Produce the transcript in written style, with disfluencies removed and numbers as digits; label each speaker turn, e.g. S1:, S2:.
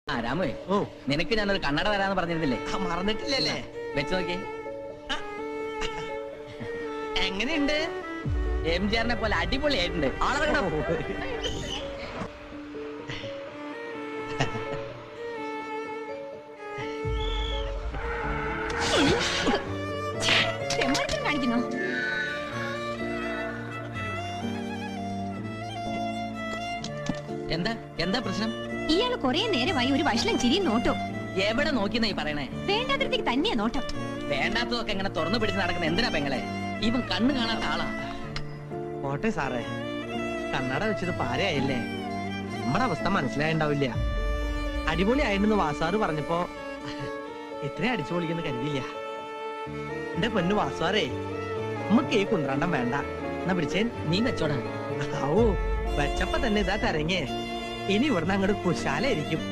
S1: ആ രാമേ,
S2: ഓ
S1: നിനക്ക് ഞാനൊരു കണ്ണട തരാന്ന് പറഞ്ഞിരുന്നില്ലേ?
S2: മറന്നിട്ടില്ലല്ലേ?
S1: വെച്ച് നോക്കി.
S2: എങ്ങനെയുണ്ട്?
S1: എംജിആറിനെ പോലെ അടിപൊളിയായിട്ടുണ്ട്. ആളെ
S3: കാണിക്കുന്നു.
S1: എന്താ എന്താ പ്രശ്നം?
S3: ഇയാള് കൊറേ നേരമായി ഒരു വഷളം ചിരിയും നോട്ടോ.
S1: എവിടെ നോക്കിന്നാ ഈ പറയണേ?
S3: വേണ്ടാത്തടത്തേക്ക് തന്നെയാ നോട്ടം.
S1: വേണ്ടാത്തതൊക്കെ എങ്ങനെ തുറന്നു പിടിച്ച് നടക്കുന്ന എന്തിനാ പെങ്ങളെ? ഇവൻ കണ്ണു കാണാത്ത ആളാ.
S2: പോട്ടെ സാറേ, കണ്ണട വെച്ചത് പാരയായില്ലേ? നമ്മുടെ അവസ്ഥ മനസ്സിലായിണ്ടാവില്ല. അടിപൊളി ആയിട്ടെന്ന് വാസാറ് പറഞ്ഞപ്പോ ഇത്രയും അടിച്ചു പൊളിക്കുന്ന കരുതിയില്ല. എന്റെ പൊന്നു വാസാറേ, നമുക്ക് ഈ കുന്ത്രണ്ടം വേണ്ട. എന്നാ പിടിച്ചേൻ.
S1: നീ വെച്ചോടാ.
S2: ഓ വെച്ചപ്പോ തന്നെ ഇതാ തരങ്ങേ. ഇനി ഇവിടുന്ന് അങ്ങോട്ട് കുശാലായിരിക്കും.